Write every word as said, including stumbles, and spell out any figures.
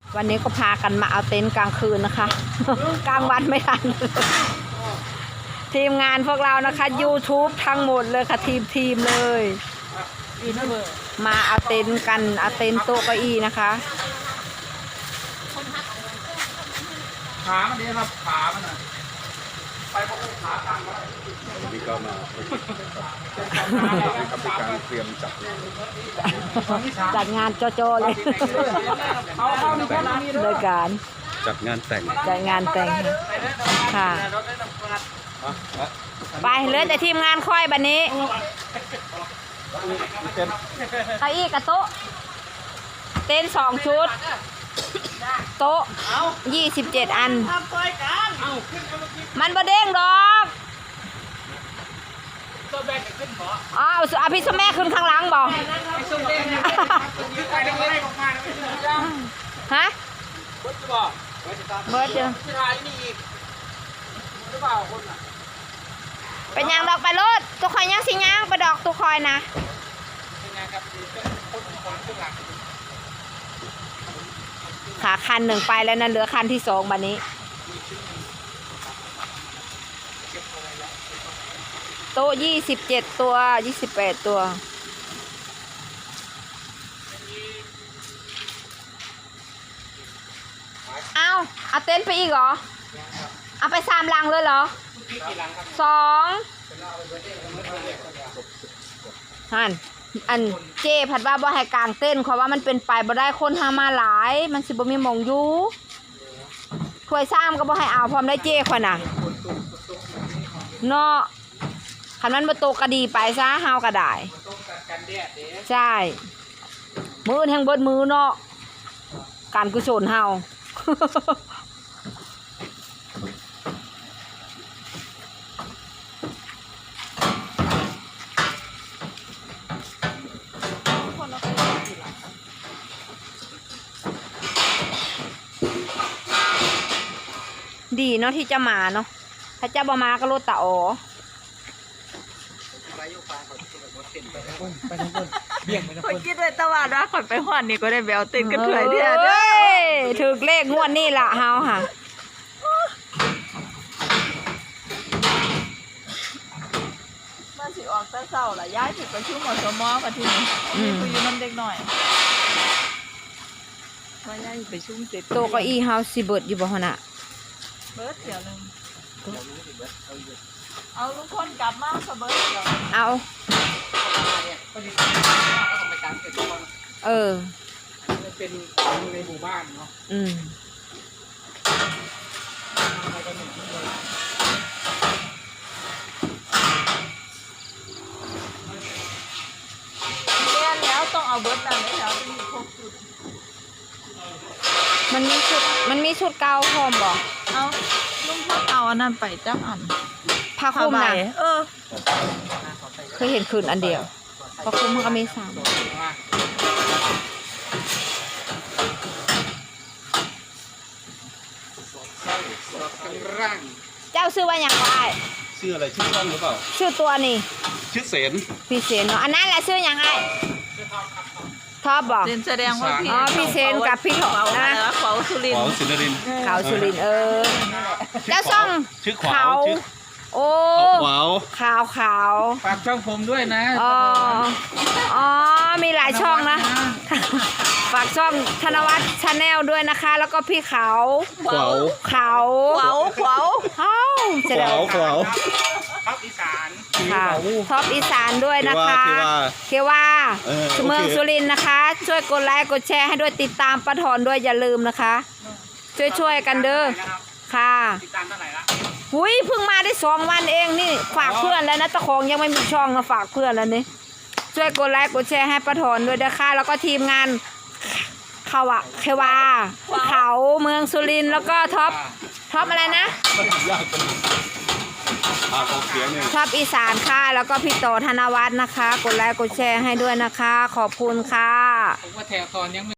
วันนี้ก็พากันมาเอาเต็นท์กลางคืนนะคะ กลางวันไม่ทัน ทีมงานพวกเรานะคะ YouTube ทั้งหมดเลยค่ะทีมทีมเลยมาเอาเต็นท์กันเอาเต็นท์โต๊ะเก้าอี้นะคะขามันนี่ครับขามันอ่ะไปพวกขาตั้งแล้วนี่ก็มาครับในการเตรียมจัดจัดงานโจๆเลยโดยการจัดงานแต่งจัดงานแต่งค่ะไปเหลือแต่ทีมงานค่อยบัดนี้เก้าอี้กับโต๊ะเต็นท์สองชุดโต๊ะยี่สิบเจ็ดอันมันบ่เด้งดอกอ๋อเอาพี่สแม่ขึ้นข้างหลังบอกฮะเบิร์ดจ้ะเป็นยังดอกไปรถตัวคอยยังสิยังไปดอกตัวคอยนะขาคันหนึ่งไปแล้วนะเหลือคันที่สองบัดนี้โต๊ะยี่สิบเจ็ดตัวยี่สิบแปดตัวเอาเอาเต็นท์ไปอีกเหรอเอาไปสามลังเลยเหรอสองฮันอันเจผัดว่าบ่ให้กลางเต้นเพราะว่ามันเป็นไปบ่ได้คนหามาหลายมันสิบ่มีหม่องอยู่ถ้วยซ้ำก็บ่ให้เอาพร้อมได้เจข่อยน่ะเนาะคันมันบ่ตกก็ดีไปซะเฮาก็ได้ใช่มื้อแห่งเบิดมือเนาะการกุศลเฮาดีเนาะที่จะมาเนาะถ้าจะบ่มาก็รถตาอ๋อคนคิดไว้ตะวันว่าคนไปหอนนี่ก็ได้แววติดกันเถื่อยเดียวเด้ถึกเลขงวดนี่ล่ะเฮาค่ะมาสิออกแต่เช้าล่ะย้ายถึงประชุมอสมกันทีนี้มีคุยอยู่นำเด็กหน่อยว่าย้ายไปชุมเสร็จโต๊ะเก้าอี้เฮาสิเบิดอยู่บ่หั่นน่ะเบิร์ดเดี๋ยวนึงเอาลุงคนกลับมาค่ะเบิร์ดเดี๋ยวเอาเออเป็นในหมู่บ้านเนาะอืมเรียนแล้วต้องเอาเบิร์ดนั่นเลยแล้วมีครบชุดมันมีชุดมันมีชุดเก่าพร้อมบอกเอาลุงพดเอาอันนั้นไปจักอันผ้าคลุมนะเออเคยเห็นคืนอันเดียวผ้าคลุมมันก็มีสามเจ้าซื้อว่าอย่างไรชื่ออะไรชื่อช่องหรือเปล่าชื่อตัวนี่ชื่อเสนพี่เสนเนาะอันนั้นแหละชื่ออย่างไรท็อปบอกแสดงว่าพี่อ๋อพี่เซนกับพี่ถอนะเขาสุรินเขาสุรินเขาสุรินเออเจ้าช่องชื่อขาวโอ้ขาวขาวขาวฝากช่องผมด้วยนะอ๋ออ๋อมีหลายช่องนะฝากช่องธนวัฒน์ชาแนลด้วยนะคะแล้วก็พี่เขาขาวขาวขาวขาวขาวขาวขาวท็อปอีสานค่ะท็อปอีสานด้วยนะคะเควาเมืองสุรินทร์นะคะช่วยกดไลค์กดแชร์ให้ด้วยติดตามป้าถอนด้วยอย่าลืมนะคะช่วยช่วยกันเด้อค่ะติดตามเท่าไหร่ละหุยเพิ่งมาได้สองวันเองนี่ฝากเพื่อนแล้วนะตะคองยังไม่มีช่องนะฝากเพื่อนแล้วนี่ช่วยกดไลค์กดแชร์ให้ป้าถอนด้วยนะคะแล้วก็ทีมงานเขาอะเควาเขาเมืองสุรินทร์แล้วก็ท็อปท็อปอะไรนะท็อปอีสานค่ะแล้วก็พี่โตธนวัฒน์นะคะกดไลค์กดแชร์ให้ด้วยนะคะขอบคุณค่ะผมว่าแถวตอนยัง